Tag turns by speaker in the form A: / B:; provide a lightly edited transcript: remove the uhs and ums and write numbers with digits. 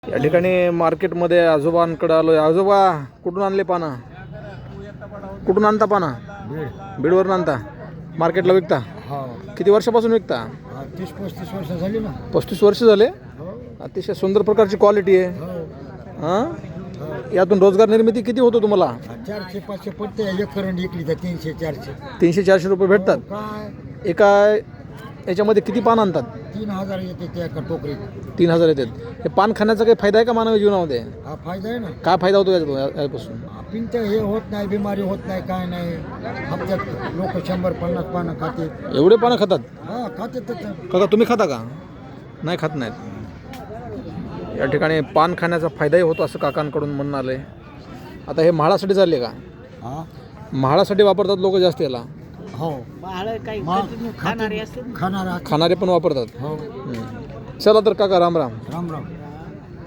A: या ठिकाणी मार्केटमध्ये आजोबांकडे आलोय. आजोबा कुठून आणले पाना? कुठून आणता पाना? बीडवरून आणता, मार्केटला विकता? किती वर्षापासून विकता?
B: 30-35 वर्ष झाली ना.
A: 35 वर्ष झाले. अतिशय सुंदर प्रकारची क्वालिटी आहे. हां, यातून रोजगार निर्मिती किती होतो तुम्हाला?
B: 400-500 पडते. एक करंडी इकली तर 300-400.
A: 300-400 रुपये भेटतात.
B: काय
A: एका याच्यामध्ये किती पान आणतात?
B: 3000 येते त्या एका टोकरीत.
A: 3000 येतात. हे पान खाण्याचा काही फायदा आहे का मानवी जीवनामध्ये?
B: हा फायदा आहे ना.
A: काय फायदा होतो यापासून?
B: पिंत हे होत नाही, बिमारी होत नाही, काय नाही. हप्त्यात लोक 100-50 पानं खाते.
A: एवढे पानं खातात?
B: हा खाते.
A: काका तुम्ही खाता का? नाही, खात नाहीत. या ठिकाणी पान खाण्याचा फायदाही होतो असं काकांकडून म्हणणं आलं आहे. आता हे म्हाळासाठी चालले का?
B: हा
A: म्हाळासाठी वापरतात लोक जास्त याला.
B: हो, खाणारे
A: खाणारे पण वापरतात.
B: हो.
A: चला तर काका, राम राम.
B: राम राम.